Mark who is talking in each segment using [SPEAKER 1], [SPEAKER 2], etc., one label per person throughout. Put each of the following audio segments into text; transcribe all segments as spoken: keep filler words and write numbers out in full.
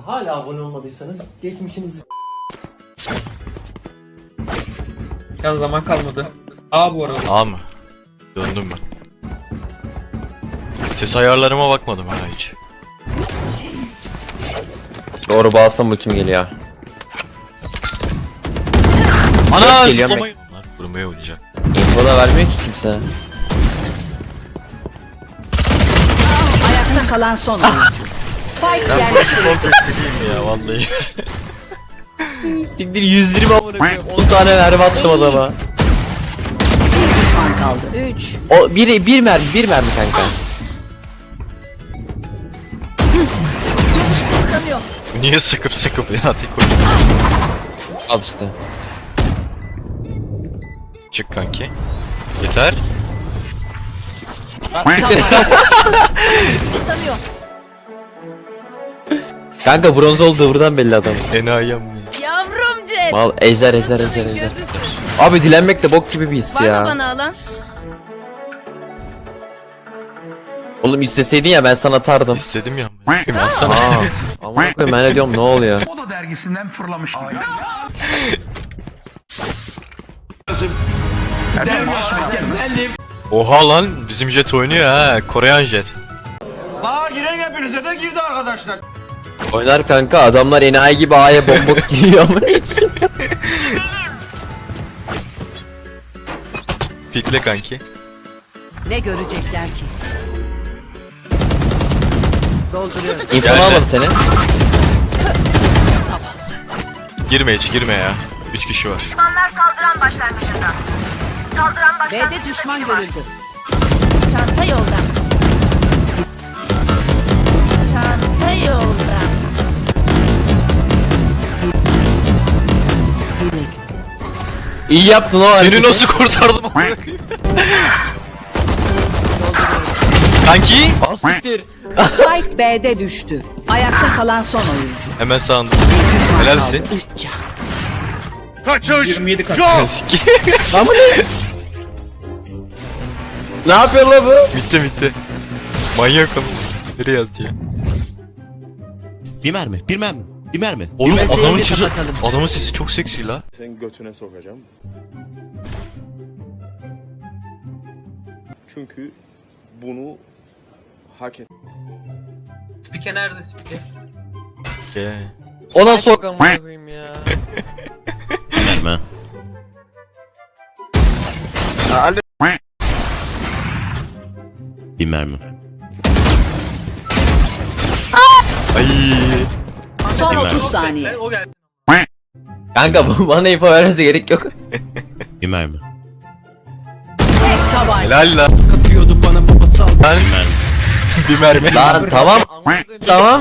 [SPEAKER 1] hala abone olmadıysanız geçmişinizi...
[SPEAKER 2] Ya zaman kalmadı. A bu arada.
[SPEAKER 3] A mı? Döndüm ben. Ses ayarlarıma bakmadım ha hiç.
[SPEAKER 4] Doğru bağlasam ultim geliyor.
[SPEAKER 3] Ana
[SPEAKER 4] geliyorum
[SPEAKER 3] zıplamayı... Bunlar vurmaya oynayacak.
[SPEAKER 4] Info da vermiyor ki kimse.
[SPEAKER 5] Ayakta kalan son oyuncu. Spike yerleştirildi.
[SPEAKER 3] Çok sileyim ya vallahi.
[SPEAKER 4] Siktir yüz yirmi amına koyayım. on tane mermi attım adama.
[SPEAKER 5] Bir düşman kaldı. üç.
[SPEAKER 4] O bir bir mermi, bir mermi kanka.
[SPEAKER 3] Bu niye sıkıp sıkıp ya tek oyun.
[SPEAKER 4] Al işte.
[SPEAKER 3] Çık kanki. Yeter.
[SPEAKER 4] Kanka bronz oldu buradan belli adam.
[SPEAKER 3] Enayem mi?
[SPEAKER 6] Yavrum Cet.
[SPEAKER 4] Mal ejder ejder ejder ejder. Abi dilenmek de bok gibi bir his
[SPEAKER 6] Var mı
[SPEAKER 4] ya.
[SPEAKER 6] bana alan?
[SPEAKER 4] Oğlum isteseydin ya ben sana atardım.
[SPEAKER 3] İstedim ya. Ben sana.
[SPEAKER 4] Aa, amına koyayım ben ne diyorum ne oluyor?
[SPEAKER 7] O da dergisinden fırlamış.
[SPEAKER 3] Oha lan bizim jet oynuyor ha. Koreyan jet.
[SPEAKER 7] Aa giren hepinize de girdi arkadaşlar.
[SPEAKER 4] Oynar kanka adamlar enayi gibi A'ya bombok giriyor ama hiç.
[SPEAKER 3] Pikle kanki.
[SPEAKER 5] Ne görecekler ki? Dolduruyorum.
[SPEAKER 4] İnfo
[SPEAKER 3] Geldi.
[SPEAKER 4] almadı seni.
[SPEAKER 3] Girme hiç girme ya. Üç kişi var.
[SPEAKER 5] B'de düşman görüldü.
[SPEAKER 6] Çanta yolda. Çanta yolda.
[SPEAKER 4] İyi yaptın o
[SPEAKER 3] Seni
[SPEAKER 4] hareketi.
[SPEAKER 3] nasıl kurtardım amına koyayım? Kanki.
[SPEAKER 4] Ah siktir.
[SPEAKER 5] Spike B'de düştü. Ayakta kalan son oyuncu.
[SPEAKER 3] Hemen sağında.
[SPEAKER 5] Bir düşman
[SPEAKER 3] Helalsin.
[SPEAKER 5] kaldı. Üç can.
[SPEAKER 2] yirmi yedi kaç.
[SPEAKER 3] Siki.
[SPEAKER 4] Lan bu ne? Ne yapıyor lan bu?
[SPEAKER 3] Bitti bitti. Manyak ama. Nereye attı ya?
[SPEAKER 8] Bir mermi, bir mermi, bir mermi.
[SPEAKER 3] Oğlum
[SPEAKER 5] Gözlerini
[SPEAKER 3] adamın sesi,
[SPEAKER 5] kapatalım.
[SPEAKER 3] adamın sesi çok seksi la.
[SPEAKER 9] Senin götüne sokacağım. Çünkü bunu hak et.
[SPEAKER 2] Spike nerede spike?
[SPEAKER 3] Ge.
[SPEAKER 4] Ona sok amına koyayım ya.
[SPEAKER 8] Bir mermi. Bir mermi.
[SPEAKER 3] Ay.
[SPEAKER 5] Son
[SPEAKER 8] Hemen.
[SPEAKER 5] otuz saniye.
[SPEAKER 2] O geldi.
[SPEAKER 4] Kanka bu bana info vermesi gerek yok.
[SPEAKER 8] Bir mermi.
[SPEAKER 5] Tek tabanca.
[SPEAKER 3] Helal la. Ben
[SPEAKER 8] Bir mermi.
[SPEAKER 3] bir mermi.
[SPEAKER 4] Lan tamam. Tamam.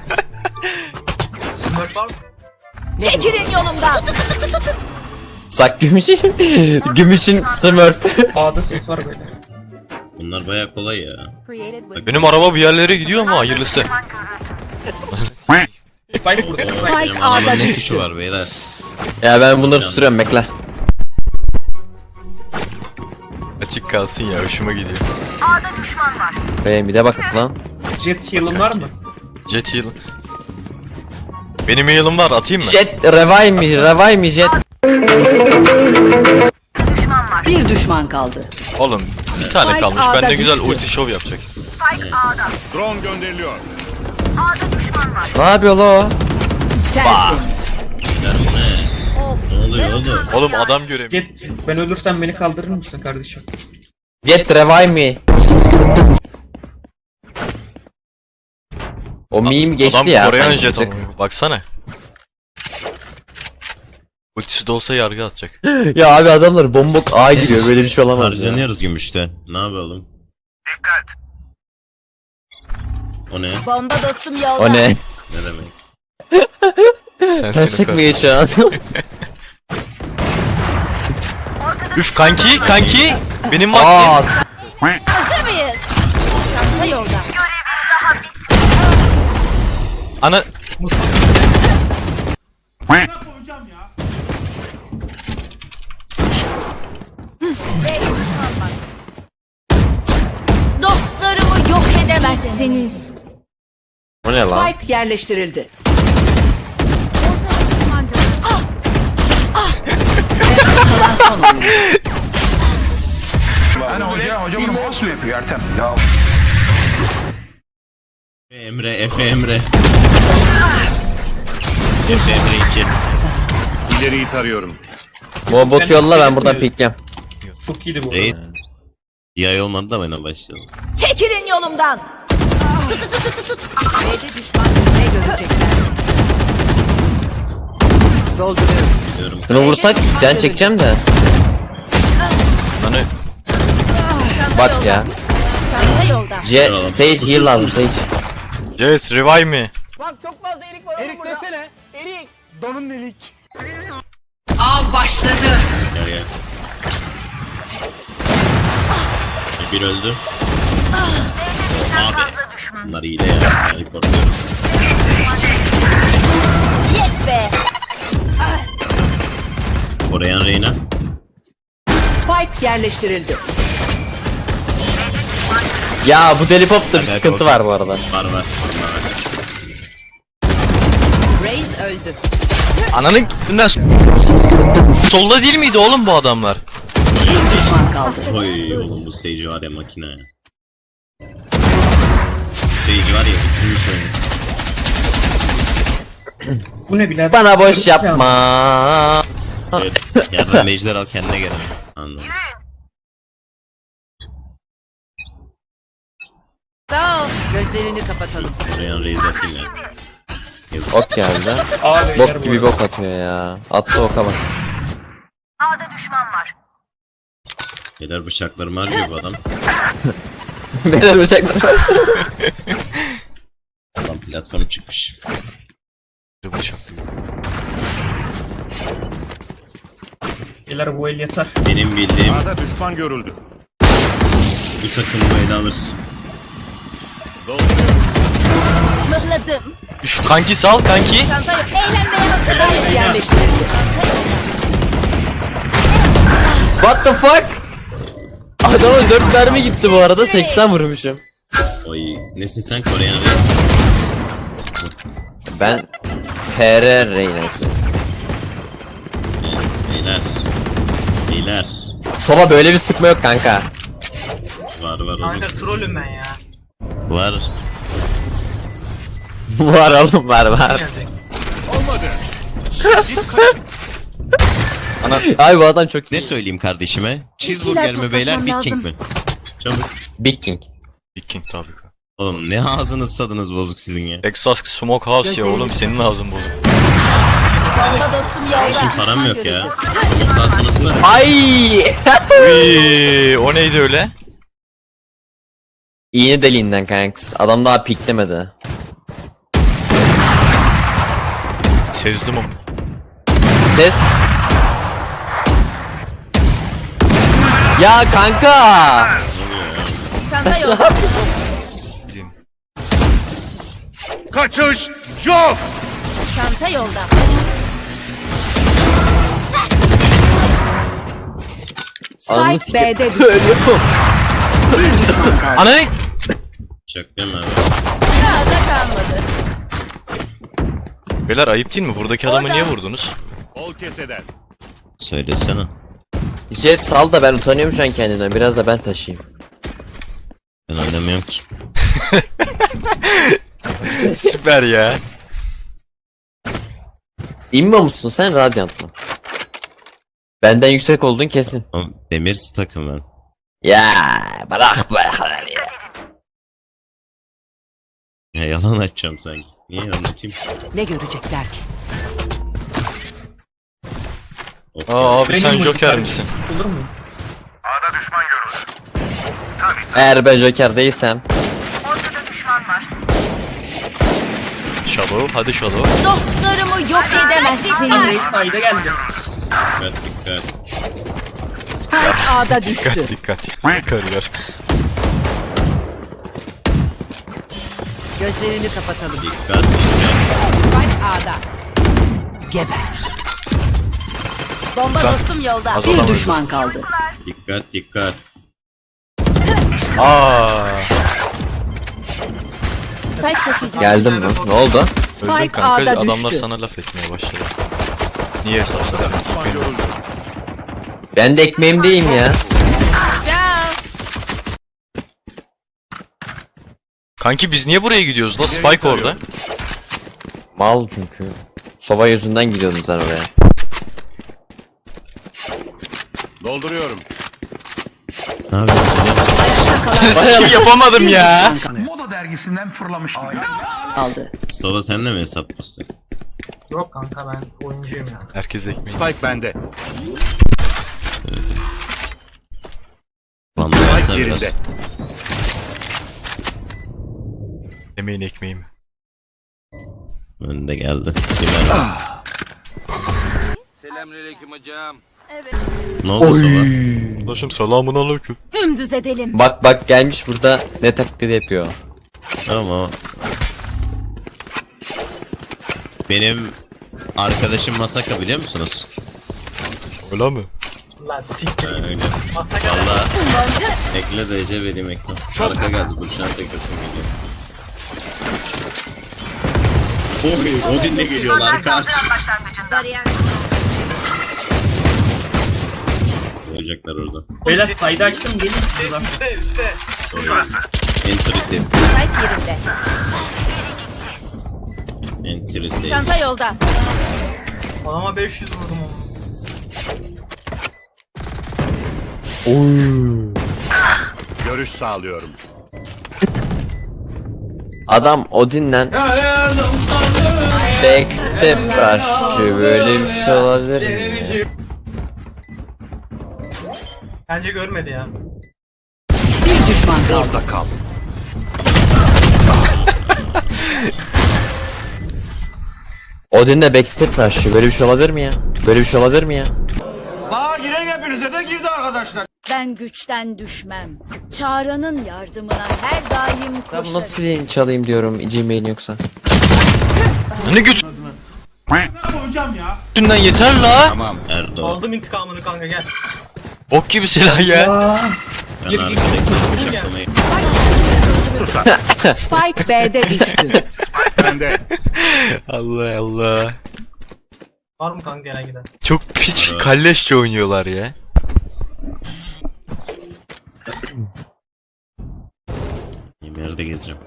[SPEAKER 2] Smurf var mı?
[SPEAKER 6] Çekilin yolumdan.
[SPEAKER 4] Sak gümüşün. Gümüşün smurf.
[SPEAKER 2] A'da ses var böyle.
[SPEAKER 8] Bunlar baya kolay ya.
[SPEAKER 3] Benim araba bir yerlere gidiyor ama hayırlısı.
[SPEAKER 2] Spike burada. Spike.
[SPEAKER 8] Benim
[SPEAKER 5] A'da
[SPEAKER 8] adamın ne
[SPEAKER 5] düştü.
[SPEAKER 8] suçu var beyler?
[SPEAKER 4] Ya ben bunları sürüyorum bekle.
[SPEAKER 3] Açık kalsın ya hoşuma gidiyor.
[SPEAKER 4] Benim bir de bakın lan.
[SPEAKER 2] Jet heal'ın var mı?
[SPEAKER 3] Jet heal. Benim heal'ım var atayım mı?
[SPEAKER 4] Jet revive mi? Revive mi jet?
[SPEAKER 5] Bir düşman kaldı.
[SPEAKER 3] Oğlum bir tane
[SPEAKER 5] Spike
[SPEAKER 3] kalmış.
[SPEAKER 5] A'da
[SPEAKER 3] Ben de güzel
[SPEAKER 5] düştü.
[SPEAKER 3] ulti show yapacak.
[SPEAKER 9] Drone gönderiliyor.
[SPEAKER 4] Ne yapıyor la o?
[SPEAKER 5] Tersin.
[SPEAKER 8] Beyler bu ne? Ne oluyor oğlum?
[SPEAKER 3] Oğlum adam göremiyor.
[SPEAKER 2] Jet ben ölürsem beni kaldırır mısın kardeşim?
[SPEAKER 4] Jet revive mi? O meme geçti
[SPEAKER 3] Adam
[SPEAKER 4] ya.
[SPEAKER 3] Koreyan
[SPEAKER 4] sanki
[SPEAKER 3] jet
[SPEAKER 4] bize.
[SPEAKER 3] ama. Baksana. Ultisi de olsa yargı atacak.
[SPEAKER 4] Ya abi adamlar bombok A giriyor böyle bir şey olamaz ya.
[SPEAKER 8] Harcanıyoruz gümüşte. Ne yapalım? Dikkat. O ne?
[SPEAKER 6] Bomba dostum yolda.
[SPEAKER 4] O ne?
[SPEAKER 8] Ne demek?
[SPEAKER 3] Sensin
[SPEAKER 4] Taşık
[SPEAKER 3] o
[SPEAKER 4] mı
[SPEAKER 3] kadar.
[SPEAKER 4] geçiyor an?
[SPEAKER 3] Üf kanki kanki. Benim vaktim.
[SPEAKER 4] Aa,
[SPEAKER 6] Hazır mıyız? Çanta yolda.
[SPEAKER 3] Ana.
[SPEAKER 6] Dostlarımı yok edemezsiniz.
[SPEAKER 4] o ne lan?
[SPEAKER 5] Spike yerleştirildi. kalan son oyuncu.
[SPEAKER 7] Hani hoca, hoca bunu boss mu yapıyor Ertem? Ya
[SPEAKER 8] Emre, Efe Emre. Efe Emre iki.
[SPEAKER 9] İleriyi tarıyorum.
[SPEAKER 4] Bu botu yolla ben buradan pikleyem.
[SPEAKER 2] Çok iyiydi bu.
[SPEAKER 8] Raid.
[SPEAKER 2] arada.
[SPEAKER 8] Bir ay olmadı da bana başlayalım.
[SPEAKER 6] Çekilin yolumdan.
[SPEAKER 5] B'de düşman ne görecekler? Dolduruyorum.
[SPEAKER 8] Diyorum.
[SPEAKER 4] Bunu vursak can çekeceğim de.
[SPEAKER 3] Hani
[SPEAKER 4] Bak ya.
[SPEAKER 6] Çanta yolda.
[SPEAKER 4] C Sage heal lazım Sage.
[SPEAKER 3] Jet revive mi?
[SPEAKER 1] Erik desene. Erik. Donun delik.
[SPEAKER 5] Av başladı.
[SPEAKER 8] Gel gel. Bir öldü. Abi. Bunlar iyi de ya. Yani korkuyorum.
[SPEAKER 6] Yes be.
[SPEAKER 8] Koreyan Reyna.
[SPEAKER 5] Spike yerleştirildi.
[SPEAKER 4] Ya bu deli popta bir
[SPEAKER 8] Evet,
[SPEAKER 4] sıkıntı
[SPEAKER 8] olacak.
[SPEAKER 4] var bu arada.
[SPEAKER 8] Var var. var.
[SPEAKER 5] Reis öldü.
[SPEAKER 3] Ananın gittiğinden solda değil miydi oğlum bu adamlar?
[SPEAKER 5] Bir düşman kaldı.
[SPEAKER 8] Oy oğlum bu Sage var ya makine ya. Sage var ya bitirmiş oyunu.
[SPEAKER 2] Bu ne birader?
[SPEAKER 4] Bana boş yapma.
[SPEAKER 8] Evet. Yardım mecler al kendine gel. Anladım.
[SPEAKER 6] Sağ ol.
[SPEAKER 5] Gözlerini kapatalım.
[SPEAKER 8] Koreyan Reis atayım ya. Yazık.
[SPEAKER 4] Ok geldi.
[SPEAKER 2] Aa, beyler
[SPEAKER 4] Bok
[SPEAKER 2] bu
[SPEAKER 4] gibi
[SPEAKER 2] arada.
[SPEAKER 4] bok atıyor ya. Attı oka bak.
[SPEAKER 8] Neler bıçaklarımı harcıyor bu adam.
[SPEAKER 4] Beyler bıçaklar.
[SPEAKER 8] Adam platform çıkmış.
[SPEAKER 3] Bıçak.
[SPEAKER 2] Beyler bu el yeter.
[SPEAKER 8] Benim bildiğim
[SPEAKER 9] A'da düşman görüldü.
[SPEAKER 8] bu takım bu ele alır.
[SPEAKER 6] Mıhladım.
[SPEAKER 3] Şu kanki sal kanki.
[SPEAKER 6] Çanta yok. Eğlenmeye hazır.
[SPEAKER 5] Spike yerleştirildi.
[SPEAKER 4] What the fuck? Adama dört mermi gitti bu arada seksen vurmuşum.
[SPEAKER 8] Oy nesin sen Koreyan Reis?
[SPEAKER 4] Ben P R Reyna'sı.
[SPEAKER 8] Beyler. Beyler.
[SPEAKER 4] Soba böyle bir sıkma yok kanka.
[SPEAKER 8] Var var oğlum.
[SPEAKER 2] Trollüm ben ya.
[SPEAKER 8] Var.
[SPEAKER 4] Var oğlum var var.
[SPEAKER 3] Ana
[SPEAKER 4] Ay bu adam çok
[SPEAKER 8] Ne
[SPEAKER 4] iyi.
[SPEAKER 8] söyleyeyim kardeşime? Cheeseburger mi beyler Big King mi? Çabuk.
[SPEAKER 4] Big King.
[SPEAKER 3] Big King tabii ki.
[SPEAKER 8] Oğlum ne ağzınız tadınız bozuk sizin ya.
[SPEAKER 3] Texas Smoke House ya oğlum senin ağzın bozuk.
[SPEAKER 6] Bomba dostum yolda.
[SPEAKER 8] Şimdi param
[SPEAKER 6] Düşman
[SPEAKER 8] yok ya.
[SPEAKER 6] görüldü.
[SPEAKER 8] Somut ağzınız var.
[SPEAKER 4] Ay!
[SPEAKER 3] Uy, o neydi öyle?
[SPEAKER 4] İğne deliğinden kanks. Adam daha piklemedi.
[SPEAKER 3] Sezdim onu.
[SPEAKER 4] Ses. Ya kanka!
[SPEAKER 6] Çanta yolda.
[SPEAKER 3] Bileyim.
[SPEAKER 9] Kaçış yok.
[SPEAKER 6] Çanta yolda.
[SPEAKER 4] Ananı
[SPEAKER 5] Spike
[SPEAKER 4] sikeyim.
[SPEAKER 5] B'de düştü.
[SPEAKER 4] Ölüyorum.
[SPEAKER 5] Bir düşman kaldı.
[SPEAKER 3] Ananı
[SPEAKER 8] Bıçak deme abi.
[SPEAKER 6] Daha da kalmadı.
[SPEAKER 3] Beyler ayıp değil mi? Buradaki adamı niye vurdunuz?
[SPEAKER 9] Ol keseden.
[SPEAKER 8] Söylesene.
[SPEAKER 4] Jet sal da ben utanıyorum şu an kendimden. Biraz da ben taşıyayım.
[SPEAKER 8] Ben oynamıyorum ki.
[SPEAKER 3] Süper ya.
[SPEAKER 4] İmmo musun sen Radiant mı? Benden yüksek oldun kesin.
[SPEAKER 8] Ama demir takım ben.
[SPEAKER 4] Ya bırak bırak ya.
[SPEAKER 8] Ya yalan açacağım sanki. Niye anlatayım?
[SPEAKER 5] Ne görecekler ki?
[SPEAKER 8] Of
[SPEAKER 3] Aa
[SPEAKER 8] ya.
[SPEAKER 3] abi sen
[SPEAKER 2] Benim
[SPEAKER 3] Joker
[SPEAKER 2] bu-
[SPEAKER 3] misin?
[SPEAKER 2] Olur mu?
[SPEAKER 4] Eğer ben Joker değilsem.
[SPEAKER 3] Shadow hadi Shadow.
[SPEAKER 6] Dostlarımı yok edemezsiniz.
[SPEAKER 2] Reis sayda geldi.
[SPEAKER 8] Dikkat dikkat.
[SPEAKER 5] Spike A'da düştü.
[SPEAKER 3] Dikkat dikkat. Kariyer.
[SPEAKER 5] Gözlerini kapatalım.
[SPEAKER 8] Dikkat dikkat.
[SPEAKER 5] Spike A'da. Geber.
[SPEAKER 6] Bomba dostum yolda.
[SPEAKER 3] Az
[SPEAKER 5] Bir
[SPEAKER 3] adam öldü.
[SPEAKER 5] düşman kaldı.
[SPEAKER 8] Dikkat dikkat.
[SPEAKER 3] Aaa.
[SPEAKER 6] Spike taşıyıcı.
[SPEAKER 4] Geldim mi? Ne oldu?
[SPEAKER 3] Öldüm
[SPEAKER 5] Spike
[SPEAKER 3] kanka
[SPEAKER 5] A'da
[SPEAKER 3] adamlar
[SPEAKER 5] düştü.
[SPEAKER 3] sana laf etmeye başladı. Niye hesap satıyorsun?
[SPEAKER 9] Düşman görüldü.
[SPEAKER 4] Ben de ekmeğimdeyim ya.
[SPEAKER 6] Ciao.
[SPEAKER 3] Kanki biz niye buraya gidiyoruz la? Spike orada.
[SPEAKER 4] Mal çünkü. Soba yüzünden gidiyordun sen oraya.
[SPEAKER 9] Dolduruyorum.
[SPEAKER 8] Ne yapıyorsun?
[SPEAKER 3] Skill yapamadım ya.
[SPEAKER 7] Moda dergisinden fırlamıştım.
[SPEAKER 5] Aldı.
[SPEAKER 8] Sova sen de mi hesap basın?
[SPEAKER 1] Yok kanka ben oyuncuyum ya.
[SPEAKER 3] Herkes ekmeği.
[SPEAKER 9] Spike bende.
[SPEAKER 8] Vallahi
[SPEAKER 9] Spike
[SPEAKER 8] sen biraz.
[SPEAKER 9] yerinde.
[SPEAKER 3] Yemeğin ekmeği mi?
[SPEAKER 8] Önde geldi. Bir mermi.
[SPEAKER 9] Selamünaleyküm hocam.
[SPEAKER 6] Evet.
[SPEAKER 8] Ne oldu Sova?
[SPEAKER 3] Arkadaşım selamun aleyküm.
[SPEAKER 6] Dümdüz edelim.
[SPEAKER 4] Bak bak gelmiş burada ne taklidi yapıyor.
[SPEAKER 8] Ama benim arkadaşım Masaka biliyor musunuz?
[SPEAKER 3] Öyle mi?
[SPEAKER 1] Lan siktir.
[SPEAKER 8] Ha, öyle.
[SPEAKER 1] Masaka.
[SPEAKER 8] Valla ekle D C vereyim ekle. Şarkı geldi dur şarkı ekletim geliyor. Oy Odin'le geliyorlar karşı.
[SPEAKER 6] Bariyer.
[SPEAKER 8] Olacaklar orada.
[SPEAKER 2] Beyler saydı açtım gelin size bak.
[SPEAKER 8] Entry
[SPEAKER 6] Spike yerinde.
[SPEAKER 8] Entry save.
[SPEAKER 6] Çanta yolda.
[SPEAKER 1] Adama beş yüz vurdum onu.
[SPEAKER 9] Görüş sağlıyorum.
[SPEAKER 4] Adam Odin'le backstep karşı böyle bir şey olabilir mi?
[SPEAKER 1] Bence görmedi ya.
[SPEAKER 5] Bir düşman kaldı.
[SPEAKER 9] Orada kal.
[SPEAKER 4] Odin'le backstep karşı böyle bir şey olabilir mi ya? Böyle bir şey olabilir mi ya?
[SPEAKER 6] Ben güçten düşmem. Çağrı'nın yardımına her daim
[SPEAKER 4] Ben bunu
[SPEAKER 6] koşarım.
[SPEAKER 4] nasıl sileyim çalayım diyorum Gmail yoksa.
[SPEAKER 3] Ne güç? Dünden yeter la.
[SPEAKER 9] Tamam.
[SPEAKER 8] Erdo.
[SPEAKER 1] Aldım intikamını kanka gel.
[SPEAKER 3] Ok gibi silah ya.
[SPEAKER 8] Ben arkadaki bıçaklamayı.
[SPEAKER 5] Spike B'de düştü.
[SPEAKER 9] Bende.
[SPEAKER 3] Allah Allah.
[SPEAKER 1] Var mı kanka gelen giden?
[SPEAKER 3] Çok piç kalleşçe oynuyorlar ya.
[SPEAKER 8] Yerde gezeceğim.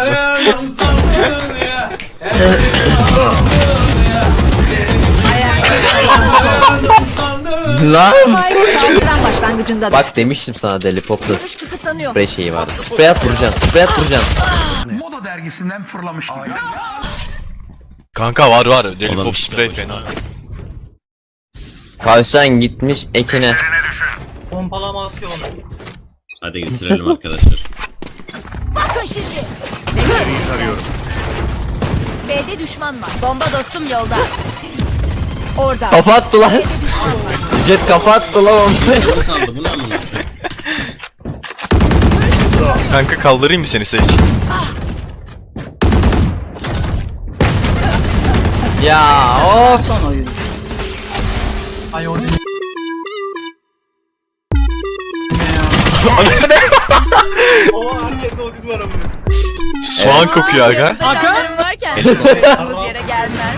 [SPEAKER 4] Lan!
[SPEAKER 5] Saldıran başlangıcında
[SPEAKER 4] Bak demiştim sana deli popla
[SPEAKER 6] Görüş kısıtlanıyor.
[SPEAKER 4] sprey şeyi vardı. Sprey at vuracaksın, sprey at vuracaksın.
[SPEAKER 7] Moda dergisinden fırlamıştım.
[SPEAKER 3] Kanka var var. Deli
[SPEAKER 8] Adam
[SPEAKER 3] pop
[SPEAKER 8] işte
[SPEAKER 3] spray
[SPEAKER 8] başına.
[SPEAKER 3] fena.
[SPEAKER 4] Tavşan gitmiş ekine.
[SPEAKER 1] Pompalaması onu.
[SPEAKER 8] Hadi götürelim arkadaşlar.
[SPEAKER 6] Bakın şimdi.
[SPEAKER 9] İleriyi tarıyorum.
[SPEAKER 6] B'de düşman var. Bomba dostum yolda. Orada.
[SPEAKER 4] Kafa attı lan. Jet kafa attı lan onu.
[SPEAKER 8] Ne kaldı bu ne amına?
[SPEAKER 3] Kanka kaldırayım mı seni Sage?
[SPEAKER 4] Ya of.
[SPEAKER 5] son oyun.
[SPEAKER 1] Ay o O herkeste o var ama.
[SPEAKER 3] Soğan kokuyor aga.
[SPEAKER 6] Yanımda canlarım varken koyduğumuz yere gelmez.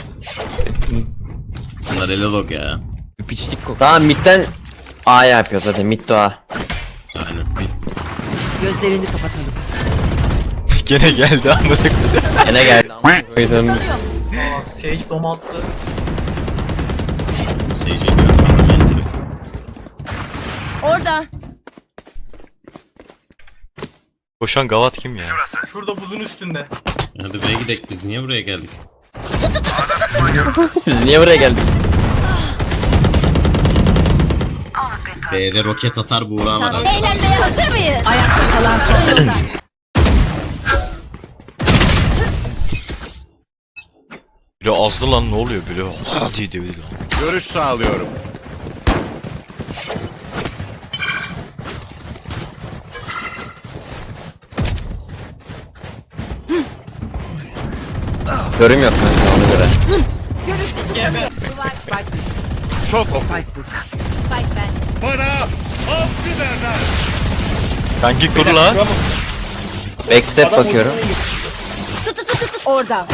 [SPEAKER 8] Bunlar ele log ya.
[SPEAKER 4] Piçlik koku. Tamam midden A yapıyor zaten mid to A.
[SPEAKER 8] Aynen.
[SPEAKER 5] Gözlerini kapatalım.
[SPEAKER 3] Gene geldi amına koyayım.
[SPEAKER 4] Yine geldi. Koydum.
[SPEAKER 1] Aa Sage dom attı.
[SPEAKER 8] Seyirciye gördüm adam entry.
[SPEAKER 6] Orada.
[SPEAKER 3] Koşan gavat kim ya?
[SPEAKER 1] Şurada buzun üstünde.
[SPEAKER 8] Hadi buraya gidelim biz niye buraya geldik?
[SPEAKER 4] Biz niye buraya geldik?
[SPEAKER 8] B'de roket atar Buğra var abi.
[SPEAKER 6] Eğlenmeye hazır mıyız?
[SPEAKER 5] Ayakta kalan son oyun.
[SPEAKER 3] Biri azdı lan ne oluyor biri? Hadi diyor biri.
[SPEAKER 9] Görüş sağlıyorum.
[SPEAKER 4] Görüm yok kanka ona göre.
[SPEAKER 6] Görüş kısıtlanıyor.
[SPEAKER 5] Spike düştü.
[SPEAKER 9] Çok oku.
[SPEAKER 5] Spike burada.
[SPEAKER 6] Spike ben.
[SPEAKER 9] Bana avcı derler.
[SPEAKER 3] Kanki kur la.
[SPEAKER 4] Backstep bakıyorum.
[SPEAKER 5] Orada.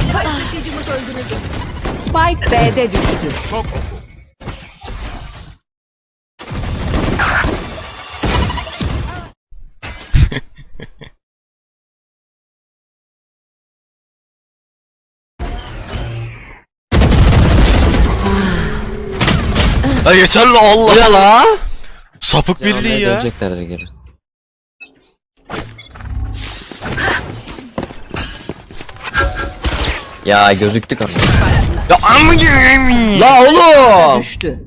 [SPEAKER 6] Taşıyıcımız öldürüldü.
[SPEAKER 5] Spike B'de düştü.
[SPEAKER 9] Çok oku.
[SPEAKER 3] Ya yeter la
[SPEAKER 4] Bu
[SPEAKER 3] Allah.
[SPEAKER 4] ne la?
[SPEAKER 3] Sapık
[SPEAKER 4] Canım,
[SPEAKER 3] birliği ya.
[SPEAKER 4] Dönecekler de geri. Ya gözüktük ama.
[SPEAKER 3] Ya amma gireyim.
[SPEAKER 4] La oğlum.
[SPEAKER 5] Düştü.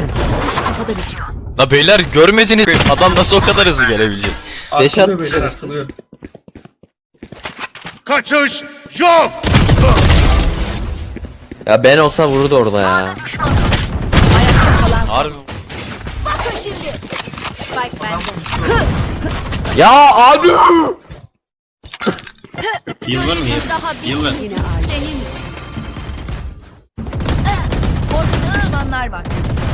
[SPEAKER 3] La beyler görmediniz. Adam nasıl o kadar hızlı gelebilecek?
[SPEAKER 4] Beş
[SPEAKER 2] Asılıyor
[SPEAKER 4] at-
[SPEAKER 2] beyler asılıyor.
[SPEAKER 9] Kaçış yok.
[SPEAKER 4] Ya ben olsa vururdu orada ya.
[SPEAKER 3] Harbi.
[SPEAKER 6] Bakın şimdi. Spike bende.
[SPEAKER 4] Ya abi.
[SPEAKER 8] Heal var mı heal?
[SPEAKER 6] Daha
[SPEAKER 8] Heal ver.
[SPEAKER 6] bitmedi. Senin için. Ortada düşmanlar var.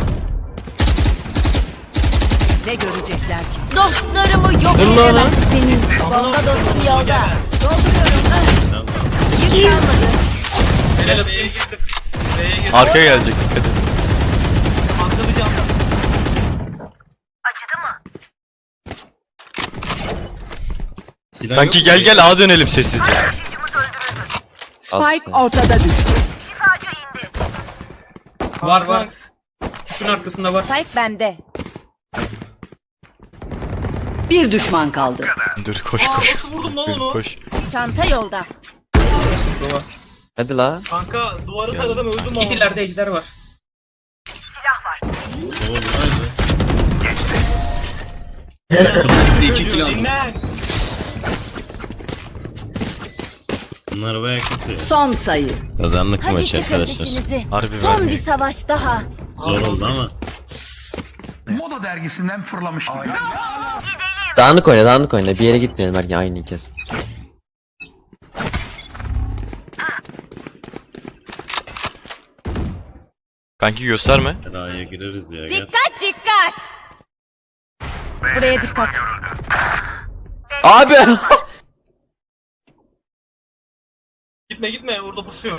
[SPEAKER 5] Ne görecekler ki?
[SPEAKER 6] Dostlarımı yok
[SPEAKER 4] Dur lan.
[SPEAKER 6] edemezsiniz. Bomba dostum yolda. Dolduruyorum. Yük kalmadı.
[SPEAKER 1] Helal B'ye girdim. B'ye girdim.
[SPEAKER 3] Arkaya gelecek dikkat et.
[SPEAKER 1] Atlamayacağım.
[SPEAKER 8] Silah
[SPEAKER 3] Kanki
[SPEAKER 8] yok mu?
[SPEAKER 3] gel gel A dönelim sessizce.
[SPEAKER 5] Spike ortada düştü.
[SPEAKER 2] Var var. Şunun arkasında var.
[SPEAKER 6] Spike bende.
[SPEAKER 5] Bir düşman kaldı.
[SPEAKER 3] Dur koş
[SPEAKER 1] Aa,
[SPEAKER 3] koş.
[SPEAKER 1] nasıl vurdum lan
[SPEAKER 3] Dur,
[SPEAKER 1] onu?
[SPEAKER 3] koş.
[SPEAKER 6] Çanta yolda.
[SPEAKER 2] Var.
[SPEAKER 4] Hadi la.
[SPEAKER 1] Kanka duvarı taradım öldüm ama.
[SPEAKER 2] Kitilerde ejder var.
[SPEAKER 8] Oo, haydi. Klasikte iki kill aldım.
[SPEAKER 1] Dinlen.
[SPEAKER 8] Bunlar baya kötü.
[SPEAKER 5] Son sayı.
[SPEAKER 8] Kazandık mı
[SPEAKER 6] Hadi
[SPEAKER 8] maçı
[SPEAKER 6] kesin
[SPEAKER 8] arkadaşlar?
[SPEAKER 6] peşinizi.
[SPEAKER 3] Harbi
[SPEAKER 6] Son bir
[SPEAKER 3] vermeyin.
[SPEAKER 6] savaş daha.
[SPEAKER 8] Zor oldu ama.
[SPEAKER 7] Moda dergisinden fırlamış gibi.
[SPEAKER 4] Dağınık oyna dağınık oyna. Bir yere gitmeyelim belki aynı kez.
[SPEAKER 3] Kanki gösterme.
[SPEAKER 8] Ra'ya gireriz ya. Gel.
[SPEAKER 6] Dikkat dikkat. Buraya dikkat.
[SPEAKER 4] Abi.
[SPEAKER 1] Gitme gitme orada pusuyor.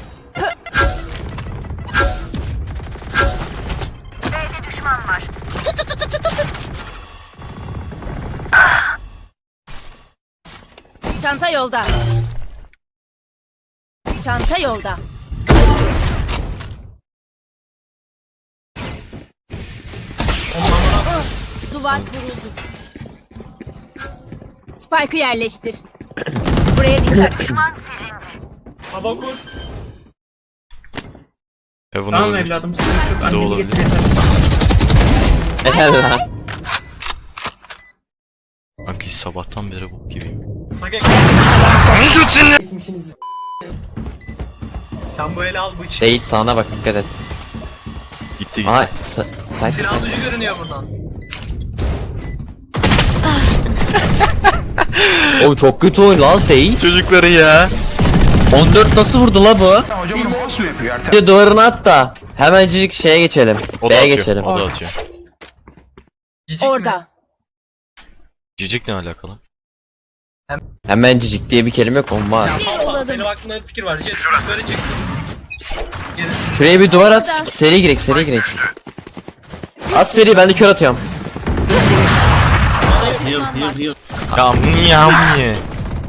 [SPEAKER 6] Çanta yolda. Çanta yolda. Duvar kuruldu. Spike'ı yerleştir. Buraya dikkat.
[SPEAKER 1] Hava kur.
[SPEAKER 3] E bunu
[SPEAKER 2] Tamam
[SPEAKER 3] öldür.
[SPEAKER 2] evladım sıkıntı yok. Annemi
[SPEAKER 3] olabilir.
[SPEAKER 2] getir.
[SPEAKER 4] Helal la.
[SPEAKER 3] Kanki sabahtan beri bok gibiyim.
[SPEAKER 1] Sage sen bu eli al bıç.
[SPEAKER 4] Değil sağına bak dikkat et.
[SPEAKER 3] Gitti gitti.
[SPEAKER 4] Ay. Sa Sait
[SPEAKER 1] Silah dışı görünüyor buradan.
[SPEAKER 4] Oğlum çok kötü oyun lan Sage.
[SPEAKER 3] Çocukları ya.
[SPEAKER 4] on dört nasıl vurdu la bu?
[SPEAKER 7] Hocam bunu mouse mu yapıyor Ertem?
[SPEAKER 4] Bir de duvarını at da. Hemencik şeye geçelim.
[SPEAKER 3] O da
[SPEAKER 4] B'ye
[SPEAKER 3] atıyor.
[SPEAKER 4] geçelim.
[SPEAKER 3] O da atıyor.
[SPEAKER 1] Cicik mi?
[SPEAKER 6] Orada.
[SPEAKER 3] Cicik ne alakalı?
[SPEAKER 4] Hemencik diye bir kelime yok oğlum var.
[SPEAKER 6] Bir
[SPEAKER 1] Allah,
[SPEAKER 6] olalım.
[SPEAKER 1] senin aklında bir fikir var. Jet yukarı çık. Geri.
[SPEAKER 4] Şuraya bir duvar at. Seri girek seri girek. At seri ben de kör atıyorum.
[SPEAKER 8] Heal heal heal.
[SPEAKER 3] Yam yam ye.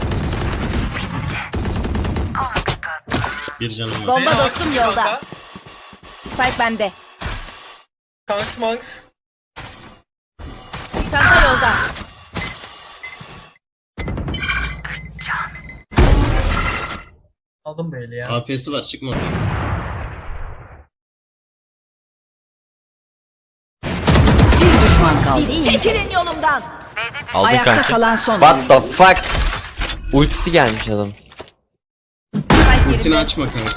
[SPEAKER 8] Bir canım var.
[SPEAKER 6] Bomba
[SPEAKER 1] B'ye
[SPEAKER 6] dostum
[SPEAKER 1] bak,
[SPEAKER 6] yolda.
[SPEAKER 1] kanka.
[SPEAKER 6] Spike bende.
[SPEAKER 1] Kanks manks.
[SPEAKER 6] Çanta yolda.
[SPEAKER 1] Aldım bu eli ya.
[SPEAKER 8] A P'si var çıkma oradan.
[SPEAKER 5] Bir düşman kaldı.
[SPEAKER 6] Çekilin yolumdan.
[SPEAKER 3] Aldın
[SPEAKER 5] Ayakta
[SPEAKER 3] kanki.
[SPEAKER 5] kalan son.
[SPEAKER 4] What the fuck? Ultisi gelmiş adam.
[SPEAKER 6] Spike
[SPEAKER 8] Ultini
[SPEAKER 6] yerinde.
[SPEAKER 8] açma kanka.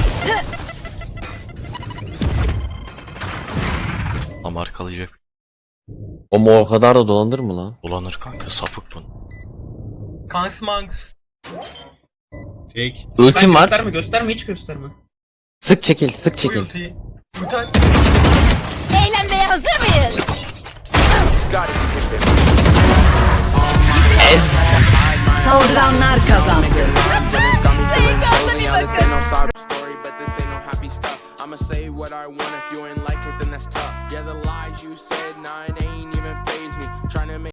[SPEAKER 3] Ama arkalayacak.
[SPEAKER 4] Ama o kadar da dolanır mı lan?
[SPEAKER 3] Dolanır kanka sapık bunu.
[SPEAKER 1] Kanks manks.
[SPEAKER 8] Fake.
[SPEAKER 4] Ultim var.
[SPEAKER 2] Gösterme gösterme hiç gösterme.
[SPEAKER 4] Sık çekil sık
[SPEAKER 1] Bu
[SPEAKER 4] çekil.
[SPEAKER 1] ultiyi. Ulti aç.
[SPEAKER 6] Eğlenmeye hazır mıyız?
[SPEAKER 4] Ez.
[SPEAKER 5] Saldıranlar kazandı.
[SPEAKER 6] Ekranda bir bakın.
[SPEAKER 10] story, but this ain't no happy stuff. I'ma say what I want. If you ain't like it, then that's tough. Yeah, the lies you said, nah, it ain't even faze me. Trying to make